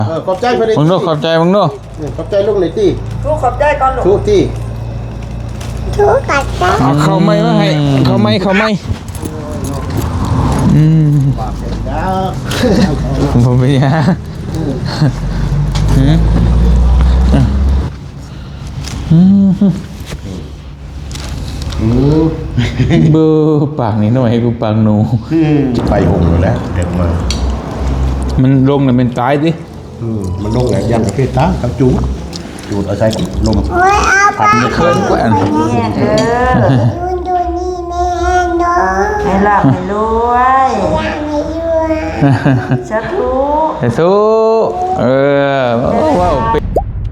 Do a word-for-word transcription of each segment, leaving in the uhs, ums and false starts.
ขอบใจเพื่อนมึงดูขอบใจมึงดูขอบใจลุงหน่อยตีทุกขอบใจก่อนลูกทุกที่ทุกข์กัดใจเอาเข้าไม่มาให้เข้าไม่เข้าไม่อืมปากแก้วผมไปฮะอืมอืมอืมเบอร์ปากนิดหน่อยให้กูปากหนูไปหงอยู่แล้วเด็กมามันลงเนี่ยเป็นตายสิอืมมันลงไงยันกับเพตากับจูดจูดเอาใช้ลมโอ้ยเอาไปมันเคินกว่าอันแม่เด้อดูดูนี่แม่เนาะให้หลับให้รวยอยากให้อยู่สาธุไอ้สู้เออว้าวไป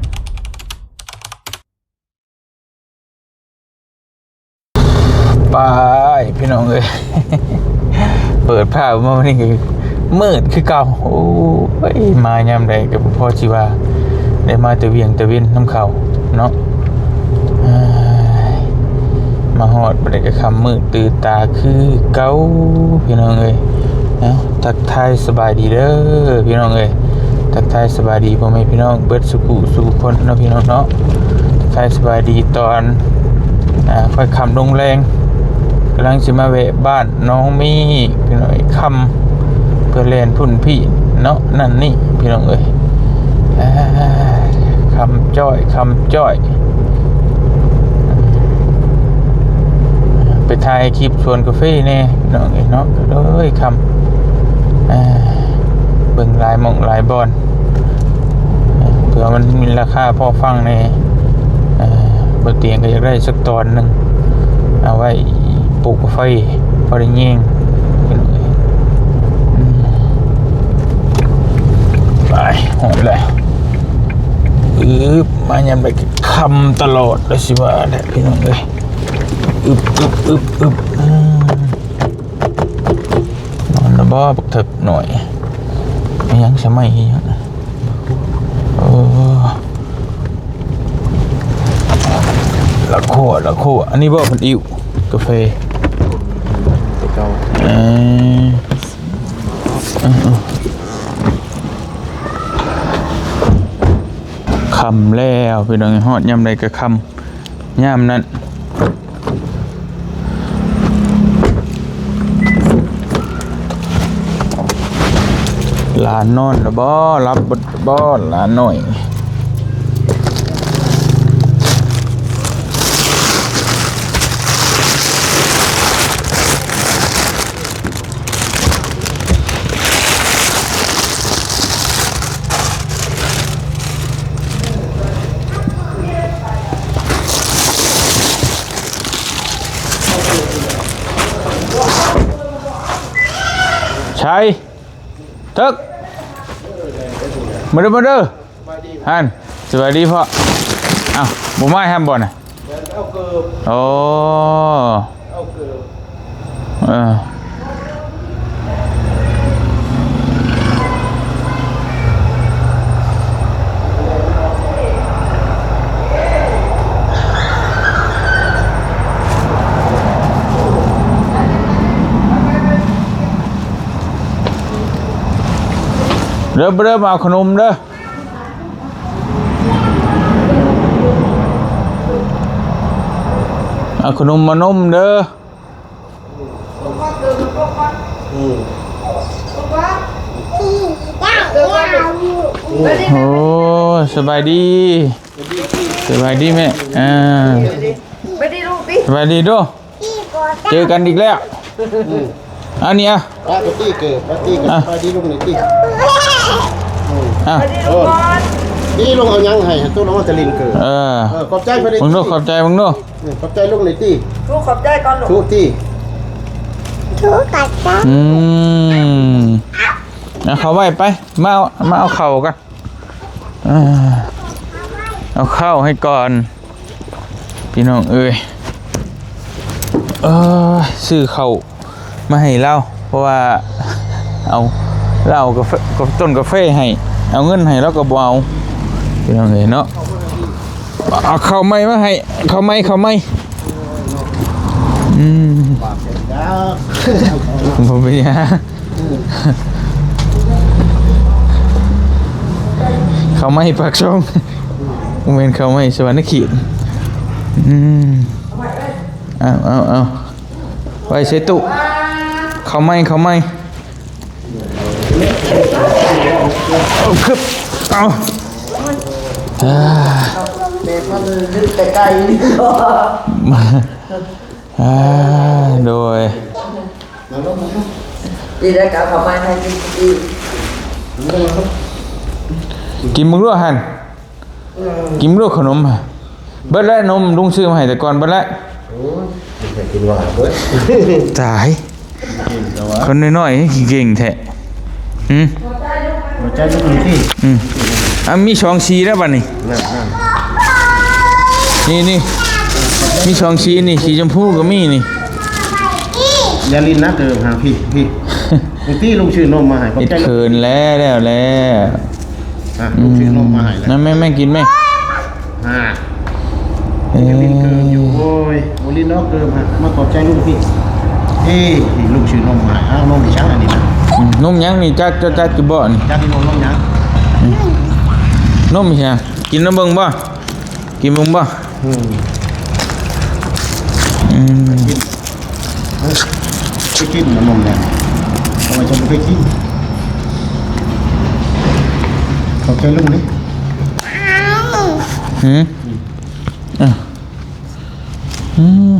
ไปพี่น้องเอ้ยเปิดผ้ามาวันนี้คือมืดคือเก่าโอ้ยมายามใดกับพ่อชีวาได้มาแต่เวียงแต่เวินน้ำเขาเนาะอ้ายมาหอดไปได้กับคำมืดตื่นตาคือเก่าพี่น้องเอ้ยเอ้าทักทายสบายดีเด้อพี่น้องเอ้ยทักทายสบายดีพ่อแม่พี่น้องเบิดสุขุสุขคนเนาะพี่น้องเนาะทักทายสบายดีตอนอ่าค่อยคำลงแรงกำลังสิมาแวะบ้านน้องมีพี่น้องคำเพื่อเล่นพุ่นพี่เนาะนั่นนี่พี่น้องเอ้ยอ่าคำจ้อยคำจ้อยไปถ่ายคลิปชวนกาแฟแน่พี่น้องเอ้ยเนาะก็เลยคำอ่าเบิ่งหลายหม่องหลายบอนเผื่อมันมีราคาพอฟังในอ่าบนเตียงก็อยากได้สักตอนหนึ่งเอาไว้ปลูกกาแฟพอได้เงี้ยงพี่น้องเอ้ยอืมไปหอมเลยอึบมายันไปคำตลอดเลยสิว่าแหละพี่น้องเอ้ยอึบอึบอึบอึบอืมนอนแล้วบ่บักเถิกหน่อยไม่ยังสมัยยังโอ้ละโคละโคอันนี้บ่เป็นอิวกาแฟเออคำแล้วพี่น้องฮอดยำใดก็คำยำนั้นหลานนอนแล้วบ่รับบทบ่หลานหน่อยใช่ทึกมาเด้อมาเด้อฮันสวัสดีพ่ออ้าวบุไม้ห้ามบ่นอ่ะโอ้เออเริ่มเริ่มเอาขนมเด้อเอาขนมมานมเด้อโอ้สบายดีสบายดีแม่อ่าไปดิลูกดิสบายดีด้วยเจอกันอีกแล้วอันนี้อ่ะปาตี้เกิดปาตี้เกิดปาตี้ลุงหน่อยตีอ่ะไปดิลูกบอลนี่ลุงเอายังให้ตู้น้องจะลินเกิดเออขอบใจเพื่อนมึงดูขอบใจมึงดูขอบใจลุงหน่อยตีทุกขอบใจก่อนลูกทุกที่ทุกข์กัดใจอืมเอาเขาไว้ไปมาเอามาเอาเข่ากันอ่าเอาเข้าให้ก่อนพี่น้องเอ้ยเออซื้อเข่ามาให้เราเพราะว่าเอาเรากาแฟกับต้นกาแฟให้เอาเงินให้แล้วก็บ่เอาพี่น้องเอ้ยเนาะเอาเข้าไม้มาให้เข้าไม้เข้าไม้อืมปากแก้วผมไปฮะเขาไม่ปากช่องเมนเขาไม่สวรรค์ขีดอืมเอาเอาเอาไว้เสตุเขาไม่เขาไม่เอาคึบเอาอ่าเด็กมันลึกแต่ไกลนี่ก็มาอ่าโดยดีได้กับเขาไม่ให้ดีดีกินมึงรู้หันกินมึงรู้ขนมฮะเบิดแล้วนมลุงซื้อมาให้แต่ก่อนเบิดแล้วแต่กินว่าเบิดตายคนน้อยๆเก่งแท้อืมหัวใจลูกนี่ที่อืมอ่ะมีช่องสีแล้วบัดนี้นั่นนั่นนี่นี่มีช่องสีนี่สีชมพูก็มีนี่ยาลินนะเดิมหาพี่พี่บางทีลุงชื่อนมมาให้ขอบเอ็ดใจลูกเขินแล้วแล้วแล้วอ่ะลุงชื่อนมมาให้แล้วนั่นแม่แม่กินไหมอ่าเอ้ยาลินเกิมอยู่ยโอ้ยโอลินนอกเกิมฮะมาขอบใจลุงพี่เอ้ยลุงชื่อนมมาให้อ้าวนมดิฉันอันนี้นะอืมนมยังนี่จักจักจักกี่บ่นี่จ้าที่นมนมยังนมใช่กินน้ำเบิ่งบ่กินเบิ่งบ่อืมอืมไปกินนมแดงทำไมจะไม่ไปกินขอบใจลุงนี่หืมอ่ะอืม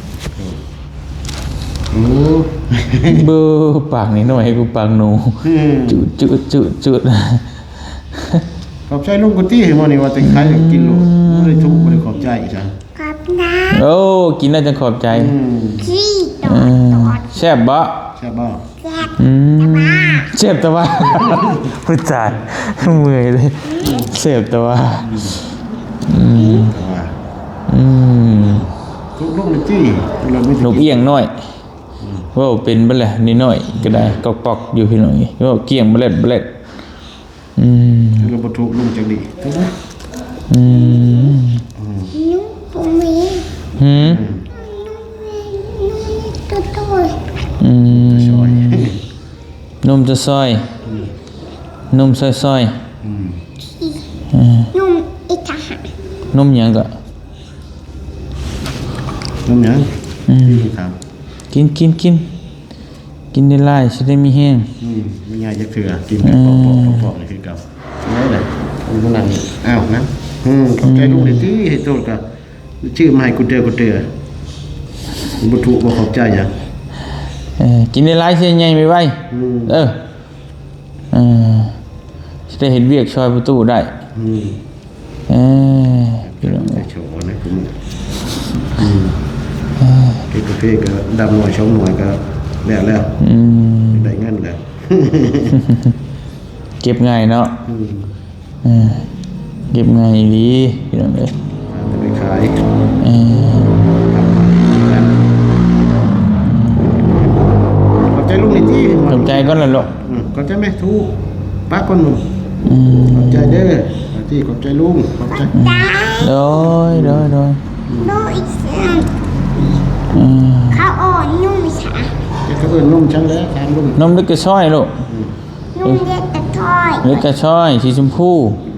โอ้เบอร์ปากนี่หน่อยให้กูปากหนูอืมจุดจุดจุดจุดขอบใจลุงกุตี้เห็นมั้นี่ว่าแต่งขายอยากกินโลดไม่ได้ทุกข์ไม่ได้ขอบใจอีกจ้ะกับน้โอ้กินน่าจะขอบใจอืมำขี้ตเอออดแซ่บบ่ใช่ป่ะแซ่บอืมเจ็บแต่ว่า พูดจาเมื่อยเลยเจ็บแต่ว่าอืมว่าอืมทุกลุงกุตี้เราไม่นถูกกเอี้ยงน้อยว่าเป็นบ่แหละนิดหน่อยก็ได้กอกปอกอยู่พี่น้อยว่าเกี้ยงบ่เล็ดบ่เล็ดอืมเราบรรทุกลุงจังดีถูกไหมอืมนุ่มปุมีหืมตัวตัวอืมซอยนมจะซอยนมซอยซอยอืมนุ่มอีกทหารนมหยังก็น้ำยังอืมพี่ถามกินกินกินกินได้หลายสิได้มีแห้งอืมไม่ง่ายจะเถื่อกินแบบปอกๆปอกๆนี่คือเก่าไม่ได้คุณผู้นั่งอ้าวนะอืมขอบใจลุงเดี๋ยวที่ให้โทษกับชื่อมาให้กูเจอกูเจอบรรทุกบ่ขอบใจยังเออกินได้หลายสิใหญ่ไปไว้อืมเออเออสิได้เห็นเวียกช่วยประตูได้อืมเออพี่น้องได้โชว์นะคุณอืมเก็บกาแฟก็ดำหน่อยช่องหน่อยก็แล้วแล้วอืมได้เงินแล้วเก็บง่ายเนาะอืมเออเก็บง่ายดีพี่น้องเอ้ยจะไปขายเออขอบใจลุงในที่ขอบใจก่อนล่ะลูกอืมขอบใจแม่ทูป้าคนหนุ่มอืมขอบใจเด้อขอบที่ขอบใจลุงขอบใจตายโดยโดยโดยนุ่มอีกสันอืมเขาอ่อนนุ่มฉาแกก็เอิ้นนุ่มจังแล้วถามลุงนมเล็กกระช้อยลูกนุ่มเล็กแต่ถ้อยเล็กกระช้อยสีชมพู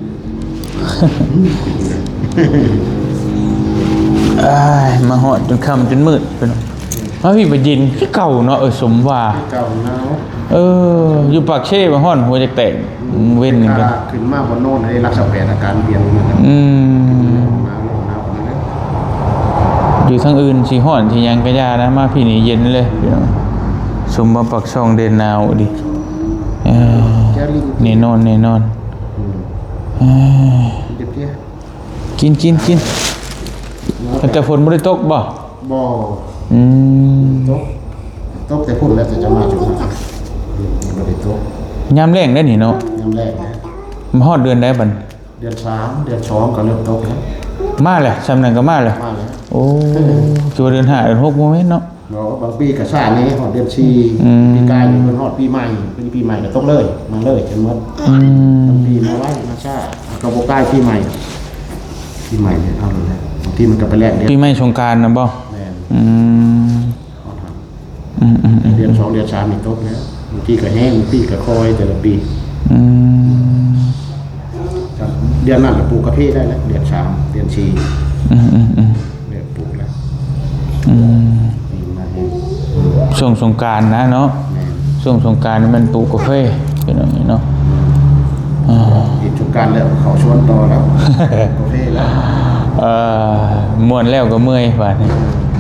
อ้ายมาหอดจนค่ำจนมืดไปเนาะพระพี่ไปยินที่เก่าเนาะเออสมว่าเก่าหนาวเออ อยู่ปากเช่มาห้อนหัวจะแตกเว้นกันถ้าขึ้นมาบนโน่นให้รักษาแผนอาการเปลี่ยนเหมือนกันอืมหนาวหนาวนั่นแหละอยู่ทางอื่นสีห้อนสียังกระยานะมาพี่นี่เย็นเลยพี่น้องสมบัติปักช่องเดนนาวดิเออแกลิงแน่นอนแน่นอนอืมเออเจ็บเตี้ยกินกินกินแต่ฝนไม่ได้ตกบ่บ่อืมตกตกแต่พุ่นแล้วแต่จะมาจุดนะอืมบ่ได้ตกยามแรงได้นี่เนาะยามแรกนะมาฮอดเดือนได้บัดเดือนสามเดือนสองก็เริ่มตกแล้วมาเลยสำนักก็มาเลยมาแล้วโอ้จัวเดือนห้าเดือนหกโมเมนต์เนาะเราบางปีก็ซ่านี้ฮอดเดือนสี่อืมปีกายอยู่เพิ่นฮอดปีใหม่เป็นปีใหม่ก็ตกเลย มาเลยจนหมดอืมบางปีมาไว้มาซ่าก็บ่ใกล้ปีใหม่ปีใหม่เนี่ยเอาเลยนะบางทีมันก็ไปแลกเดือนปีใหม่สงกรานต์นะบ่แม่นอืมฮอดครับอืมอืมอืมเดือนสองเดือนสามนี่ตกแล้วบางทีก็แห้งบางทีก็คอยแต่ละปีอืมครับดือนนั้นปลูกกาแฟได้แล้วเดือนสามเดือนสี่อืมอืมอืมเดือนปลูกแล้วอืมปีมาเองช่วงสงกรานต์นะเนาะแม่ช่วงสงกรานต์นี่มันปลูกกาแฟเป็นอย่างนี้เนาะอ่าอีกทุกการแล้วเขาชวนต่อแล้วกาแฟแล้วเอ่อม่วนแล้วก็เมื่อยบาดนี้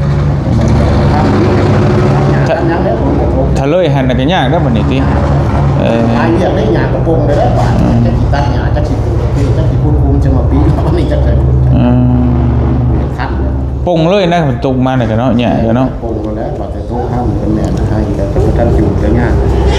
ถ้ายังแล้วผมก็ผมถ้าเลยหันน่ะก็ยากเด้อบัดนี้ติเอ่อหาเรียกได้หยากระโปรงเลยแล้วบาดจะสิตัดหยาจะสิปลูกกาแฟจะสิพูดภูมิจะมาปีวันนี้จะใส่ผลอืมขั้นแล้วปงเลยนะมันตกมาน่ะก็เนาะแย่ก็เนาะปรุงกันแล้วว่าแต่โต๊ะห้ามกันแม่นะให้แต่ก็ท่านอยู่แต่งาน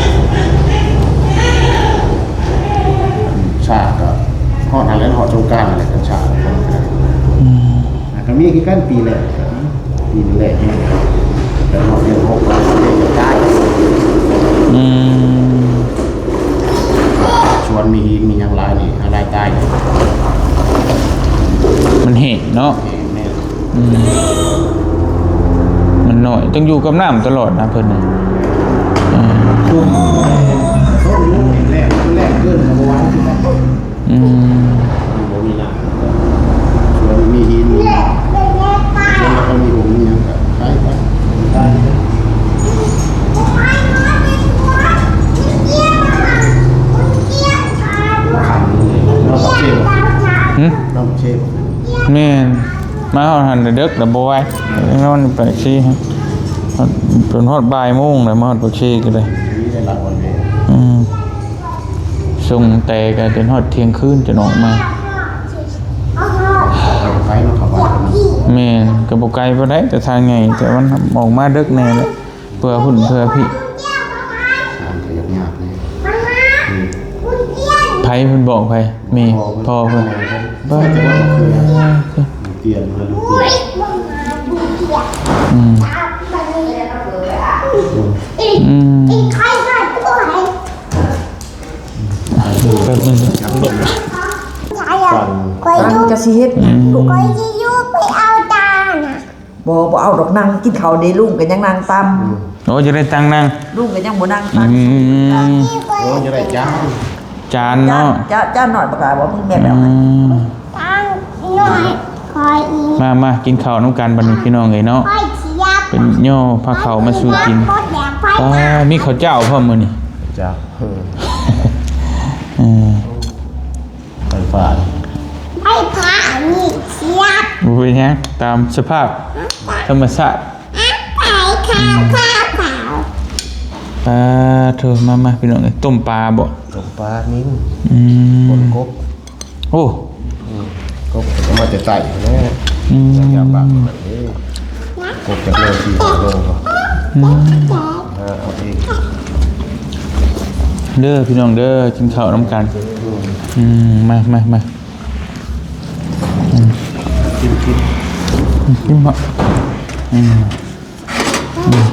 ชาก็หอดอะไรหอดสงกรานต์อะไรกันชาคนก็ได้อืมอ่ะก็มีกี่กันปีแรกปีแรกเนี่ยแต่หอดเดือนหกเราเรียนจะได้อืมชวนมีมีอย่างไรนี่อะไรตายเนี่ยมันเห็นเนาะแม่อืมมันน้อยต้องอยู่กับน้ำตลอดนะเพิ่นน่ะอ่าช่วงเขารู้แรกแรกเกินกับวันที่แบบอืมมีน้ำชวนมีหินมีแล้วก็มีหงมีอย่างกับใช่ปะได้ เราบักเชฟหึเราบักเชฟแม่นมาฮอดหันเด็กแล้วบ่ไหวนอนไปซี่ฮะจนฮอดบ่ายโมงแล้วมาฮอดปากซี่ก็เลยนี่ได้หลักวันเวอืมส่งแต่ก็จนฮอดเที่ยงคืนจะออกมาเราไปเราขับบ้านกันแม่นก็บ่ไกลบ่ได้แต่ทางไงแต่มันออกมาดึกแน่แหละเพื่อหุ่นเพื่อพี่ทางขยับยากเลยไผเพิ่นบอกไผแม่พ่อเพิ่นบ้านจะว่าคือเตียนมาลูกเตียนอืมอืมใครก็ตัวไหนแป๊บนึงใช่อ่ะคอยนั่งดูจะสิเฮ็ดคอยจะยูไปเอาตาน่ะบ่บ่เอาดอกนั่งกินข้าวเด้ลุงก็ยังนั่งตามโอ้จะได้ตังค์นั่งลุงก็ยังบ่นั่งอืตามมโอ้จะได้จ้าจานจ้าเนาะจ้าจ้าหน่อยบ่กล้าบ่มีแม่แบบอืมตั้งหน่อยคอยอีมามากินข้าวน้ำกันบัดนี้พี่น้องเอ้ยเนาะคอยเชียบเป็นย่อพาเขาวมาสู่กินโคตรแดงไฟป้ามีข้าวเจ้าพร้อมมื้อนี้จ้าเออไฟฟ้าไฟผ้านี่เชียบบ่เป็นหยังตามสภาพธรรมชาติอ่ะไปข้าวข้าวเปล่าปลาเธอมามาพี่น้องเอ้ยต้มปลาบ่ตกปลานิ้งอืคนมกบโอ้กบก็มาจะใส่แน่อืมยาบักแบบนี้กบจากโลสี่โลก็เอาเองเด้อพี่น้องเด้อกินข้าวน้ำกันอืมมามามากินกินกินบ่อืมอืม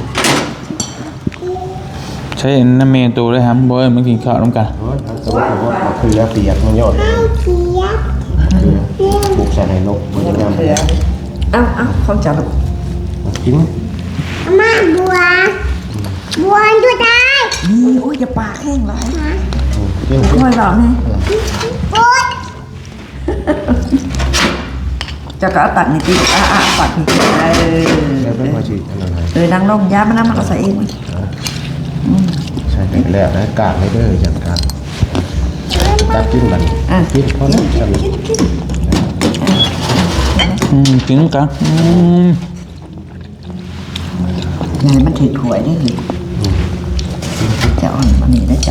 ใช้น้ำเมนตัวเลยครับบ่ให้มันกินข้าวน้ำกันโอ้ยแต่ว่าผมว่าคือเปียกมันยอดเชียบคือบุกใส่ในนกมันจะงามเสือเอ้าเอ้าของจ้าลูกกินมาบัวบัวดูได้นี่โอ้ยอย่าปากแห้งหลายกินค่อยเว้าแน่บัวจะก็เอาตัดนี่ติอ่ะๆปัดนี่ติเออแล้วเป็นพอฉีดอันนั้นเออนั่งลงยามันน้ำมันก็ใส่เองใช่ไปแล้วนะกาดไม่ได้จัดการตัดกินมันกินเพราะนั้นจะมีอืมกินกันอืมยายมันถือถ้วยได้เลยจะอ่อนมันนี่ได้จ้ะ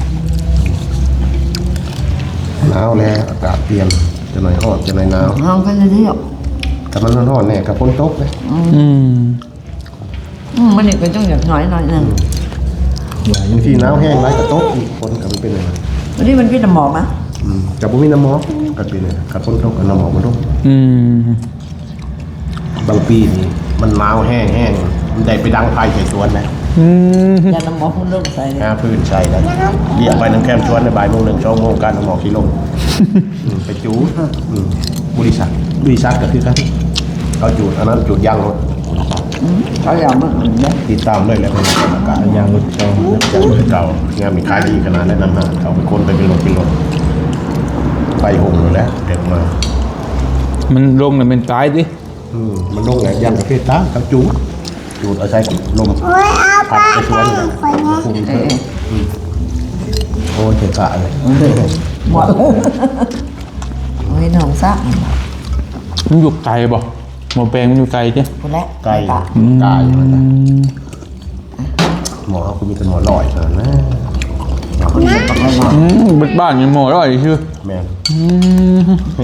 หนาวแล้วอากาศเปลี่ยนจะหน่อยร้อนจะหน่อยหนาวลองกันเลยเดียวแต่มันร้อนๆเนี่ยกับฝนตกเลยอืมอืมมันนี่ก็ต้องอยากน้อยหน่อยนึงบางทีหนาวแห้งไรกับตกอีกฝนกับมันเป็นอะไรวันนี้มันพี่น้ำหมอกนะกับบุมีน้ำหมอกก็เป็นอะไรกับฝนตกกับน้ำหมอกมันตกอืมบางปีนี่มันหนาวแห้งแห้งมันได้ไปดังไฟใส่สวนนะอืมยาน้ำหมอกมันลงใส่เลยหาพื้นใส่แล้วเรียกไปน้ำแคมชวนในบ่ายโมงหนึ่งชั่วโมงการน้ำหมอกที่ลงไปจูบริษัทบริษัทก็คือกันเขาจูดอันนั้นจูดยางรถเขาอยากมันอื่นเนี่ยติดตามเลยแล้วเป็นอากาศยางรถเก่าจากรถเก่างานมีขายดีขนาดนั้นนะเขาไปคนไปเป็นรถเป็นรถห่มอยู่แล้วเด็กมามันลงแล้วเป็นตายดิอืมมันลงแหละยันประเภทตากับจูดจูดเอาใช้ลมโอ้ยเอาพัปดลาไปสไปวนคนนี้คุมเถอะอืมโอ้ยเจ็บขาเลยหมดโอ้ยน้องซักมันอยู่ไกลบ่หมอแปลงมันอยู่ไกลจ้ะคนแรกไก่ตาไก่มันนะหมอเขาคือมีแต่หมอลอยเท่านั้นนะคนเดียวกับเราอืมบ้านบ้านยังหมอแล้วอีกชื่อแม่นอืม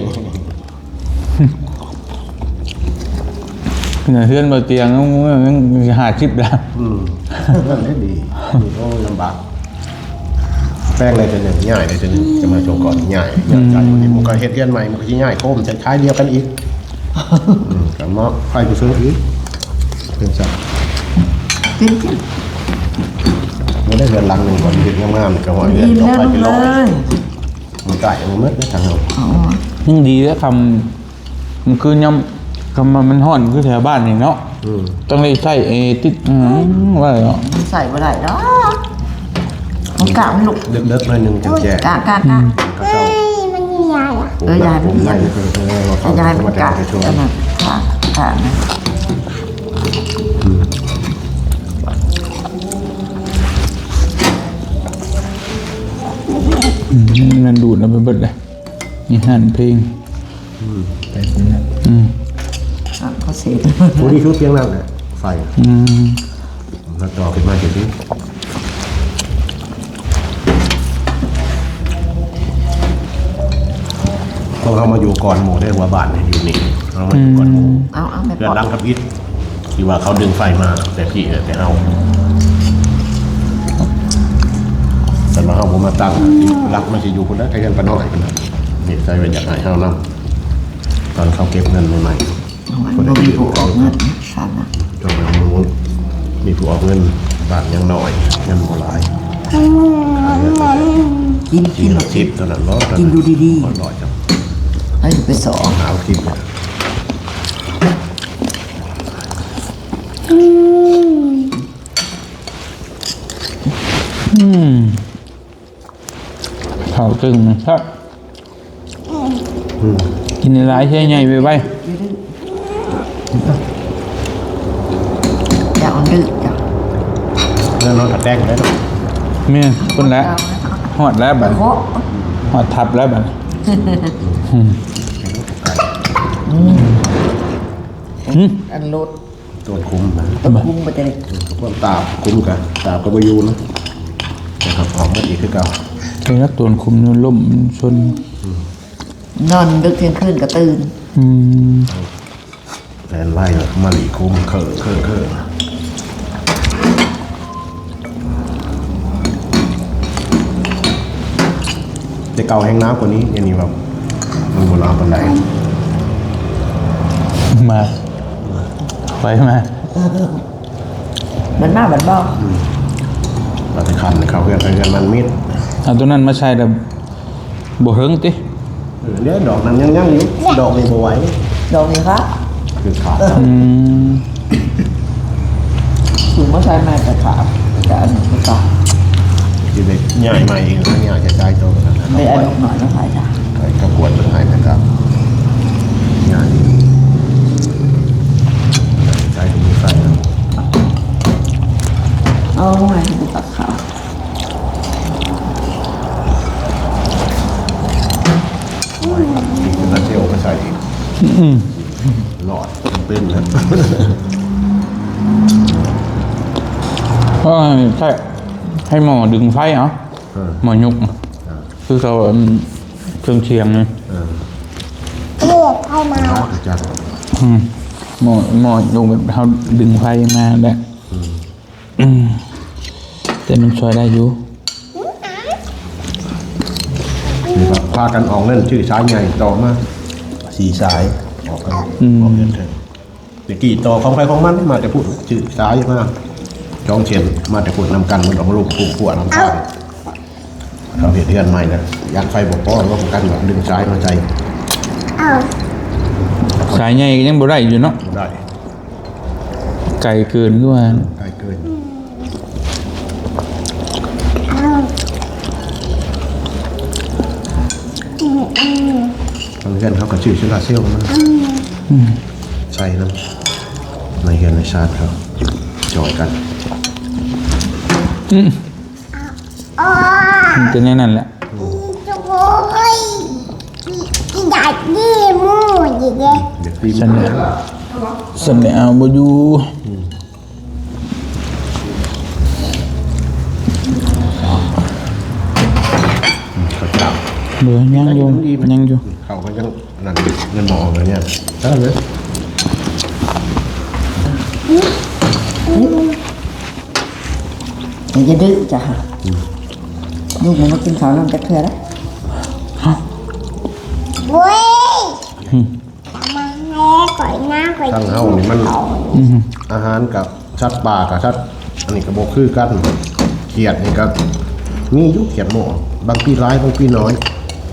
เนี่ยเพื่อนบนเตียงมันหาชิปแล้วอืมนั่นได้ดีโอ้ลำบากแป้งเลยจะหนึ่งง่ายเลยจะหนึ่งจะมาโชว์ก่อนง่ายง่ายใจวันนี้มันก็เฮ็ดเรียนใหม่มันก็จะง่ายโค้มใช้คล้ายเดียวกันอีกอืมกันมาไฟไปซื้ออีกเป็นสัตว์กินกินไม่ได้เรือนหลังหนึ่งก่อนเรียนงามๆกับหัวเรือนอิ่มต่อแล้วไปลูกเป็นเลร้อยยมันไก่มันมืดนะทางเราอ๋อยังดีแล้วคำมันคือย่ำคำมันห่อนคือแถวบ้านนี่เนาะอืมต้องได้ใส่เอติดอืมว่าเนาะมันใส่บ่ได้ดอกมันกะมันลูกเลิกๆหน่อยหนึ่งจังแจกกะกะกะก็เจ้าเฮ้ยมันใหญ่อะเออยายมันผมเยี่ยนั่มงเออว่าเขาแต่ยายมันจะกะไปช่วยอันนั้นกะกะนะอืมมันดูดแล้วไปเบิดเลยนี่หันเพลงไปตรงนั้นอืมอ่ะเขาเสร็จโอ้นี่ชุดเพียงนั่นแหละไฟอืมแล้วต่อขึ้นมาเดี๋ยวนี้พวกเรามาอยู่ก่อนหมู่ได้หัวบ้านเนี่ยอยู่นี่เรามาอยู่ก่อนหมู่เอาเอาไม่เดืปออน ดรังกับอิฐที่ว่าเขาดึงไฟมาแต่พี่เออแต่เอาแต่มาเอาผมมาตั้งรักมันจะอยู่คนละไทยกันปะน้อยคนละนี่ใจเป็นอยากหายเฮานํตอนเขาเก็บเงินใหม่เอาไว้บ่มีผู้ออกเงินสั่นนะๆจนมันรู้มีผู้ออกเงินบาทยังน้อยเงินโบราณกินกิกินนชิปตอนนั้นร้อนกินดูดีร้อนร้อยจังๆให้ไปสอนหาวทิพย์อืมเผาตึงนะครับ กินในร้ายใช่ไงไปไปอย่าเอ่อนดื้อจ้ะแล้วนอนถัดแดงได้หรอเมียคนละหอดแล้วบัดเพราะหอดทับแล้วบัดอันรถตัวคุ้มนะตะคุ่มไปจะได้พวกตาคุ้มกันตาก็ไปยูนะแต่ครับออกมาอีกคือเก่าเป็นนักตัวคุมนล่มชนนอนดึกเที่ยงคืนก็ตื่นอืมแลนไล่มาหลีคุ้มเคอเคอเคอแต่เก่าแห้งน้ำกว่านี้อย่างนี้แบบมันโบราณปันไดมาไปมามันมาบันบ่เราจะคันเขาเพื่อนเพื่อนมันมิดเอาตัวนั้นมาใช้แต่บ่เฮิงติเออเดี๋ยวดอกนั้นยังยังอยู่ดอกนี้บ่ไหวดอกนี้ครับคือขาดอืมถึงมาใช้ไม้กระถางแต่อันนี้ก็ตาคือเด็กใหญ่ใหม่เองนะเนี่ยจะใจโตกันนะไม่อันนี้หน่อยนะพายจ้ะใครกระบวนเป็นไงนะครับใหญ่ใจมีไฟนะเอาไงให้ตัดขาวมีเป็นลาเซลมาใส่อีกอืมหลอดเป็นนะก็ใช่ให้หมอดึงไฟเหรอเออหมอยุกคือเขาอืมเครื่องเชียงเลยเออเลือดให้มาจัดอืมหมอหมอยุกแบบเขาดึงไฟมาแหละอืมแต่มันช่วยได้อยู่นี่ครับพากันออกเล่นชื่อสายใหญ่ต่อมาสีสายออกกันออกเงินเถอะเดี๋ยวกี่ต่อของใครของมันมาแต่พูดชื่อสายมาจองเชียนมาแต่พูดนำกันมันออกมาลูกคู่ขั้วน้ำตาลเขาเห็นเดือนใหม่นะยัดไฟบอกป้อนว่ากันแบบดึงสายมาใจเอาสายใหญ่ก็ยังบ่ได้อยู่เนาะได้ไกลเกินก็ว่าใกล้เกินเอาอืมอืมบางเพื่อนเขาก็ชื่อชิลาเซลมันใส่น้ำในเฮือนในชาติเขาจอยกันอืมอ๋อมันเป็นอย่างนั้นแหละโอ้ยอยากดีมูดิเด้เด็กปีนฉันเนี่ยฉันเนี่ยเอาบ่อยู่เขาจับเดี๋ยวยังอยู่ยังอยู่เขาก็ยังนั่นเงินหมออะไรเนี่ยใช่ไหมอย่าจะดื้อจ้ะลูกมันมากินข้าวน้ำจะเถื่อแล้วเว้ยมาแม่ก่อยหน้าก่อยทั้งเฮานี่มันอาหารกับชัดป่ากับชัดอันนี้ก็บอกคือกันเขียดนี่ก็มีอยุเขียดหมอบางปีร้ายบางปีน้อย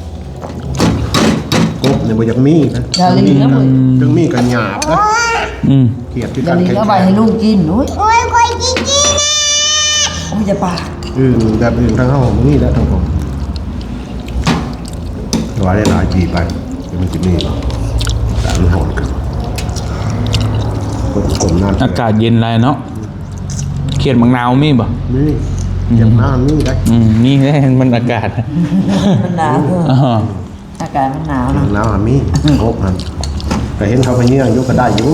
กบเนี่ยบ่อยากมีนะอย่าลืมนะมึงถึงมีกันหยาบนะอืมเขียดที่อกัย่าน ลืมแข็งเอาไปให้ลูกกินอุ้ยโอ้ยก่อยจริงๆนะมันจะปากอื่นแบบอื่นทั้งเฮาบ่มีแล้วทั้งผมว่าได้หลายจีไปเดี๋ยวมันจะมีแต่มันหอนกันกดกลมน้ำอากาศเย็นไรเนาะเขียดมังนาวมีบ่นี่เจ็บหน้านี่ได้อืมนี่แหละมันอากาศมันหนาวอ๋ออากาศมันหนาวเจ็นะบหน้าหามีครบมันแต่เห็นเขาไปเยี่ยงยกก็ได้อยู่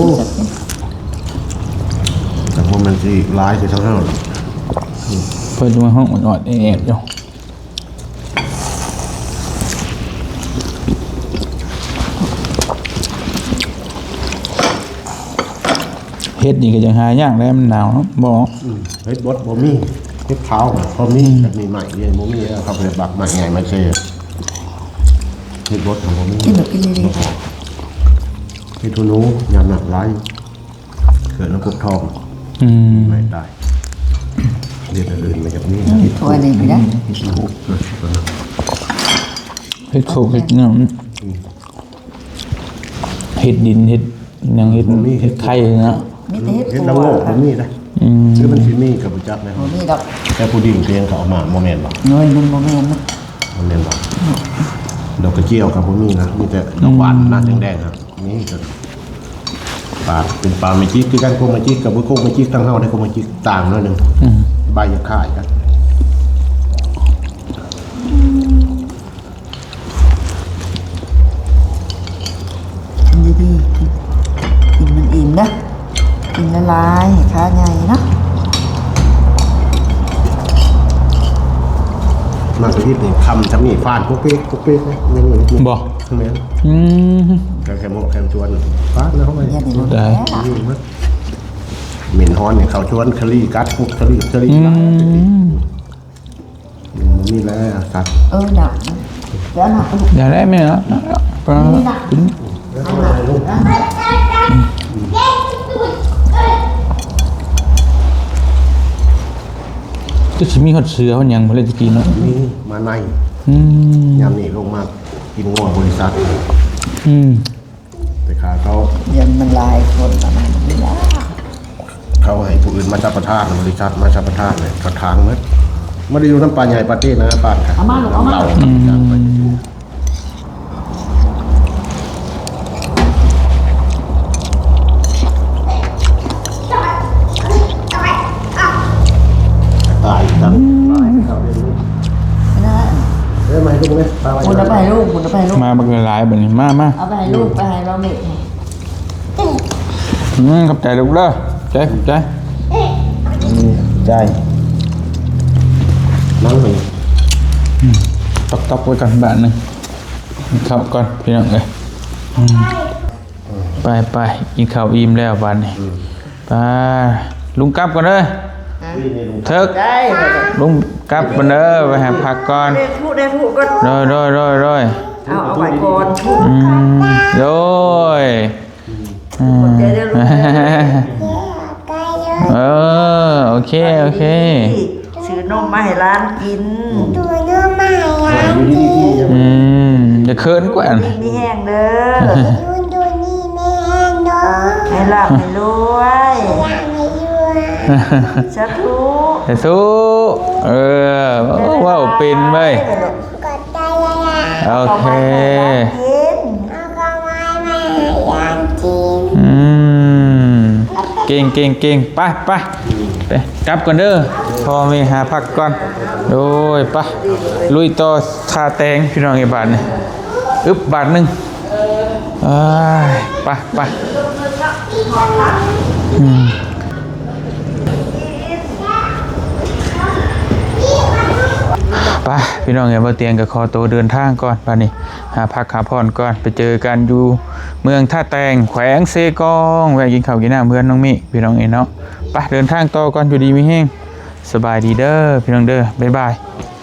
แต่พวกมันสิร้ายสิเท่านั้นเพิ่นมาห้องอ่อนๆแอบๆอยู่เฮ็ดนี่ก็ยังหายากแล้วมันหนาวเนาะบ่เฮ็ดบดบ่มีเฮ็ดเท้าพอมีแบบมีใหม่เรียนบ่มีแล้วเขาไปบักใหม่ใหญ่มาเช่เฮ็ดบดของบ่มีกินแบบกินเลยเฮ็ดทุนูยำหนักร้ายเกิดน้ำกบทองอืมไม่ได้เรียนอื่นมาจากนี้ๆถ้วยนี่ไม่ได้เฮ็ดลูกเกิดตัวนั้นเฮ็ดโคกเฮ็ดหยังเฮ็ดดินเฮ็ดหยังเฮ็ดเฮ็ดไข่เนาะมีแต่เฮ็ดเฮ็ดตัละวโง่บ่มีได้อืมคือมันสิมีกับบ่จักนะโอ้นี่ดอกแต่ผู้ดิ่งเพียงเขาเอามาบ่แม่นบ่น้อยมันโมเมนต์นะบ่แม่นบ่ดอกกระเจียวกับบ่มีนะมีแต่ดอกหวานหน้าแดงๆครับมีก็ปลาเป็นปลาเมจิกคือกันโคเมจิกกับบ่โคเมจิกทั้งเฮาได้โคเมจิกต่างหน่อยหนึงอืมใบจะคล้ายกันกินดีๆกินกินมันอิ่มนะกินละลายขาใหญ่นะมากกว่าที่นี่คำจะมีฟาดพวกเป๊กพวกเป๊กนะนี่นี่นี่บ่แม่นอืมแกแค่หมกแค่ชวนฟาดแล้วเข้าไปเนี่ยเดี๋ยวมันได้แก่ยิ่งมั้ยเหม็นฮ้อนเนี่ยเขาชวนคลีกัดพวกคลีคลีอืกัดมนี่แหละสัตว์เออหนักนะเดี๋ยวหนักอย่าได้ไหมเนาะปลากินแล้วทำอะไรลูกก็สิมีฮอดเสือฮอดหยังบ่เลยตะกี้เนาะนี่มาในอืมยามนี่ลงมากินงัวบริษัทอืมแต่ขาเขาเดี๋ยวมันลายคนประมาณนี้นะเขาให้ผู้อื่นมาจับประทานบริษัทมาจับประทานเลยกระถางมั้ยไม่ได้อยู่น้ำปลาใหญ่ปลาเต้นะปลาค่ะเราจางไป ตายจังตายเขาเรียนรู้นะเอ้ยมาให้ลูกไหมปลาไว้คุณเอาไปให้ลูกคุณเอาไปให้ลูกมาบักหลายๆบัดนี้มามาเอาไปให้ลูกไปให้เราเม็ดอืมขอบใจลูกเด้อใจขอบใจใจนั่งไปตอกๆไว้ก่อนบาทหนึงเข้าก่อนพี่น้องเอ้ยอืมไปไปกินข้าวอิ่มแล้วบัดนี้ไปลุงกลับก่อนเด้อเถิกได้ลุงกลับก่อนเด้อไปหาพักก่อนได้พูดได้พูดก็โดยโดยโดยโดยเอาเอาไว้ก่อนอืมโดยอืมเดี๋ยวเดี๋ยวลูกเออโอเคโอเคซื้อนมมาให้ร้านกินตัวเนื้อใหม่อ่ะอืมจะเคินกว่านี่มีแห้งเด้อดูดูนี่แม่เนาะให้หลับให้รวยอยากให้อยู่อ่ะสาธุไอ้สู้เออว้าวเป็นไหมกดใจเลยอ่ะโอเคกินเก่งเก่งเก่งไปไปไปกลับก่อนเด้อพอมีหาพักก่อนโดยไปลุยต่อทาแตงพี่น้องไอ้บาทนี่อึบบาทหนึ่งไปไปอืมไปพี่น้องไอ้บ่เตียงกับคอโตเดินทางก่อนบาทนี้หาพักหาผ่อนก่อนไปเจอกันอยู่เมืองท่าแตงแขวงเซกองแวะกินข้าวกินน้ำเพื่อนน้องมิพี่น้องเอ็นเนาะไปเดินทางต่อก่อนอยู่ดีมีแห้งสบายดีเด้อพี่น้องเด้อบ๊ายบาย